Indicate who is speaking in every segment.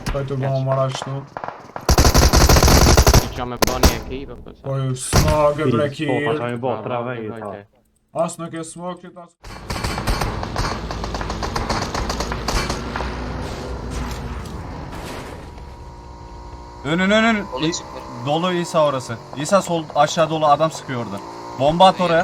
Speaker 1: Kahramanmaraş'ta.
Speaker 2: Kör med barnjäkel och så.
Speaker 1: Oj, smager
Speaker 3: Fast
Speaker 1: bräckir.
Speaker 3: han är borta där vägen.
Speaker 1: Asnake smaker.
Speaker 4: Önün.
Speaker 5: Dolu çıktı.
Speaker 4: Dolu İsa orası. İsa sol aşağı dolu adam sıkıyor orada. Bomba at oraya.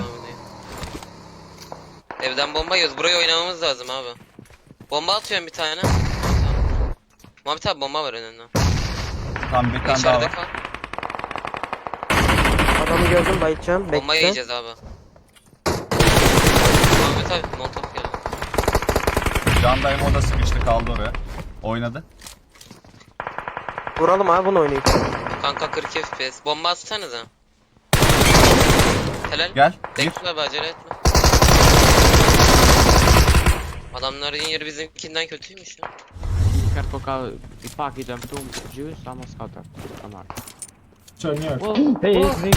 Speaker 5: Evden bomba yiyoruz. Buraya oynamamız lazım abi. Bomba atıyorum bir tane. Muhammed abi bomba var önünde.
Speaker 4: Tamam bir tane daha
Speaker 5: İçeride
Speaker 4: var.
Speaker 5: kal.
Speaker 6: Adamı gördüm, bayılacağım.
Speaker 5: Bomba
Speaker 6: Bekle.
Speaker 5: yiyeceğiz abi. Muhammed abi montok geldi.
Speaker 4: Can dayım o da sıkıştı kaldı oraya. Oynadı.
Speaker 6: Vuralım abi, bunu oynayıp.
Speaker 5: Kanka 40 FPS. Bomba atsanıza. Helal.
Speaker 4: Gel. Gir.
Speaker 5: Bekle abi acele etme. Adamların yeri bizimkinden kötüymüş ya.
Speaker 2: Kan plocka i park i den tom ljus, han måste skjuta. De här.
Speaker 1: Kör ner.
Speaker 2: Wow.
Speaker 3: Hej,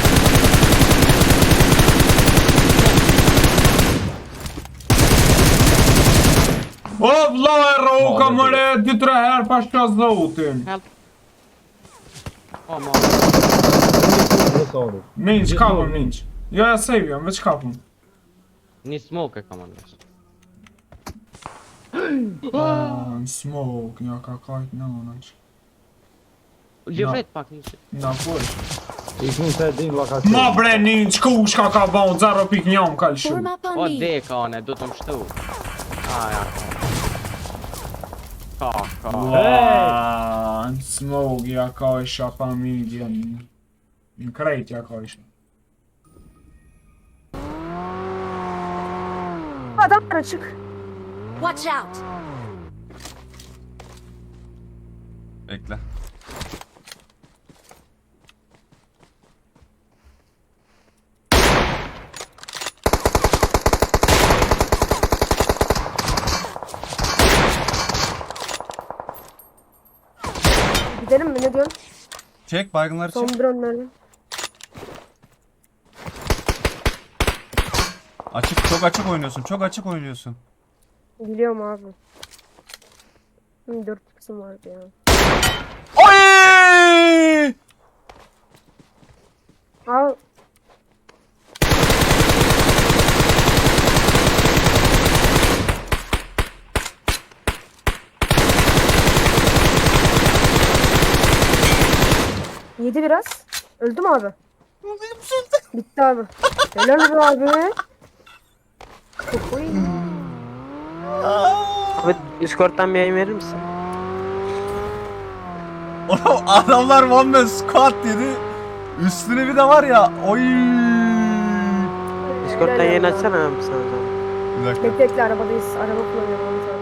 Speaker 1: Обла, рука моя, ти трахер пашка злоутин.
Speaker 2: Help. Oh, man.
Speaker 3: det sa du.
Speaker 1: Ninja, kapım ninja. Ja, seviyorum, već kapım.
Speaker 2: Ni smoker commandos.
Speaker 1: Smoke, ja kakajt, ne onač.
Speaker 2: Jag
Speaker 1: No.
Speaker 2: vet faktiskt.
Speaker 1: Na koji?
Speaker 3: Gick inte din lokation.
Speaker 1: Ma bre ninja, kuška ka bon, zaro pik njom kalšu.
Speaker 7: Form up on
Speaker 2: Och
Speaker 7: me.
Speaker 2: det kane, då de stod. Ah, ja. Kaka.
Speaker 1: Lan, smoke ja kajša pa midjan. Krejt ja kajša.
Speaker 6: Adam açık.
Speaker 7: Watch out.
Speaker 4: Bekle.
Speaker 6: Gidelim mi, ne diyorsun?
Speaker 4: Çek baygınları
Speaker 6: Son
Speaker 4: çek.
Speaker 6: drone'ları.
Speaker 4: Açık, çok açık oynuyorsun. Çok açık oynuyorsun.
Speaker 6: Biliyorum abi. 4 kısım vardı ya.
Speaker 4: Oy!
Speaker 6: Al. Yedi biraz. Öldü mü abi? Bitti abi. Helal be abi. Çok iyi. Abi Discord'dan bir yayın verir misin?
Speaker 4: Oğlum adamlar one man squad dedi. Üstüne bir de var ya. Oy!
Speaker 6: Discord'dan yayın açsana abi sen o zaman.
Speaker 4: Bir dakika.
Speaker 6: Bekle arabadayız. Araba kullanıyorum onu sana.